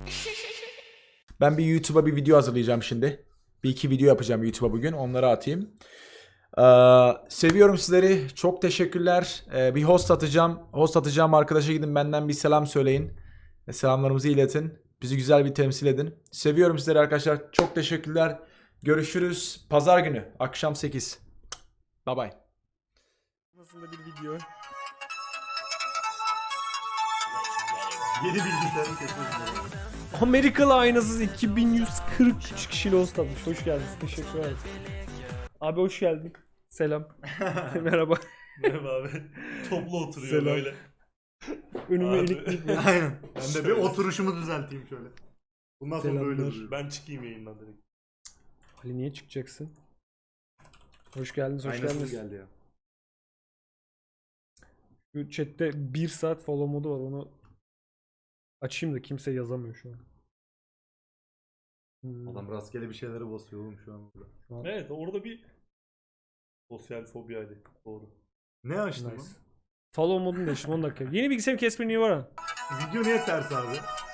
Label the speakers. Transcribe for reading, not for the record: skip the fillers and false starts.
Speaker 1: Ben bir YouTube'a bir video hazırlayacağım şimdi. Bir iki video yapacağım YouTube'a bugün. Onları atayım. Seviyorum sizleri. Çok teşekkürler. Bir host atacağım. Host atacağım arkadaşa gidin benden bir selam söyleyin. Selamlarımızı iletin. Bizi güzel bir temsil edin. Seviyorum sizleri arkadaşlar. Çok teşekkürler. Görüşürüz. Pazar günü akşam 8. Bye bye.
Speaker 2: Aslında bir video.
Speaker 3: Yeni bilgisayarı kesin.
Speaker 2: Amerikalı aynasız 2143 kişiyle host atmış. Hoş geldiniz. Teşekkür ederim. Abi hoş geldin. Selam. Merhaba.
Speaker 3: Merhaba abi. Toplu oturuyor
Speaker 2: Selam.
Speaker 3: böyle.
Speaker 2: Önüme
Speaker 3: Abi.
Speaker 2: ilikleyip
Speaker 3: Aynen. Ben de bir oturuşumu düzelteyim şöyle. Bundan sonra böyle
Speaker 2: Selamlar.
Speaker 3: duruyor. Ben çıkayım yayından direkt.
Speaker 2: Ali niye çıkacaksın? Hoş geldiniz, hoş
Speaker 3: Aynasız
Speaker 2: geldiniz.
Speaker 3: geldi ya.
Speaker 2: Şu chatte 1 saat follow modu var, onu açayım da kimse yazamıyor şu an.
Speaker 3: Adam rastgele bir şeylere basıyor oğlum şu an burada.
Speaker 2: Şu an
Speaker 4: Evet, orada bir sosyal fobi hali. Doğru.
Speaker 3: Ne açtın
Speaker 2: nice.
Speaker 3: lan?
Speaker 2: Follow modunu değiştirdim 10 dakika. Yeni bilgisayarım Casper niye var ha?
Speaker 3: Video niye ters abi?